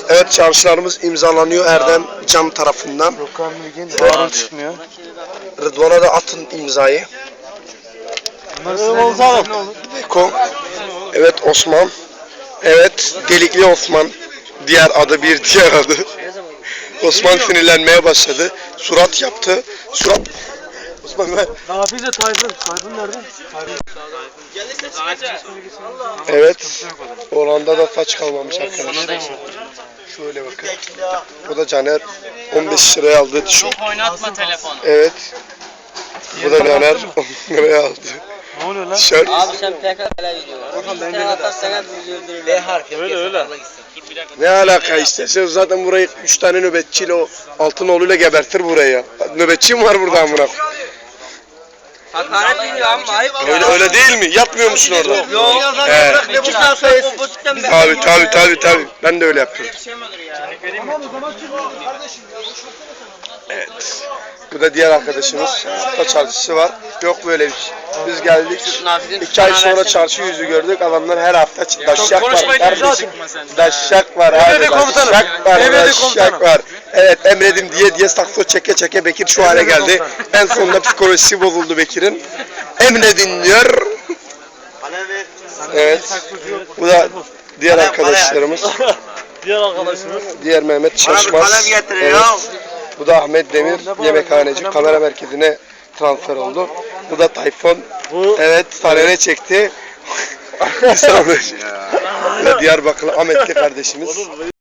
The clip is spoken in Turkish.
Evet, çağrışlarımız imzalanıyor Erdem Can tarafından. Gökhan Bilgin, Harun çıkmıyor. Rıdvan'a da atın imzayı. Beko. Evet, Osman. Evet, Delikli Osman. Diğer adı, bir diğer adı. Osman sinirlenmeye başladı. Surat yaptı. Surat. Osman ver. Nafize Tayfun. Tayfun nerede? Evet. Oranda da saç kalmamış arkadaşlar. Şöyle bakın. Bu da Caner 15 liraya aldı tişört. Çok oynatma telefonu. Evet. Bu da Caner 10 liraya aldı. Ne oluyor lan? Tişört. Abi sen PKK'la gidiyorsun. Sen atarsan hep bizi öldürürler. B harfi. Öyle. Ne alaka işte? Sen zaten burayı 3 tane nöbetçiyle o Altınoğlu'yla gebertir burayı. Nöbetçi mi var burada amına? Hakaret ediyor ama ayıp. Öyle değil mi? Yapmıyor musun orada? Yok. He. Ne bu saat sayısı? Tabii. Ben de öyle yapıyorum. Evet. Bu da diğer arkadaşımız. Hafta çarşısı var. Yok böyle bir şey. Biz geldik. 2 ay sonra çarşı yüzü gördük. Adamlar her hafta daşşak var. Kardeşim. Daşşak var abi. Daşşak var. Evet, emredim diye sakso çeke Bekir şu hale geldi. En sonunda psikolojisi bozuldu Bekir'in. Emredin diyor. Evet. Bu da diğer arkadaşlarımız. Diğer Mehmet Şaşmaz. Evet. Bu da Ahmet Demir, yemekhaneci, kamera merkezine transfer oldu. Bu da Tayfun. Evet, sahnene çekti. Bu da Diyarbakırlı Ahmetli kardeşimiz.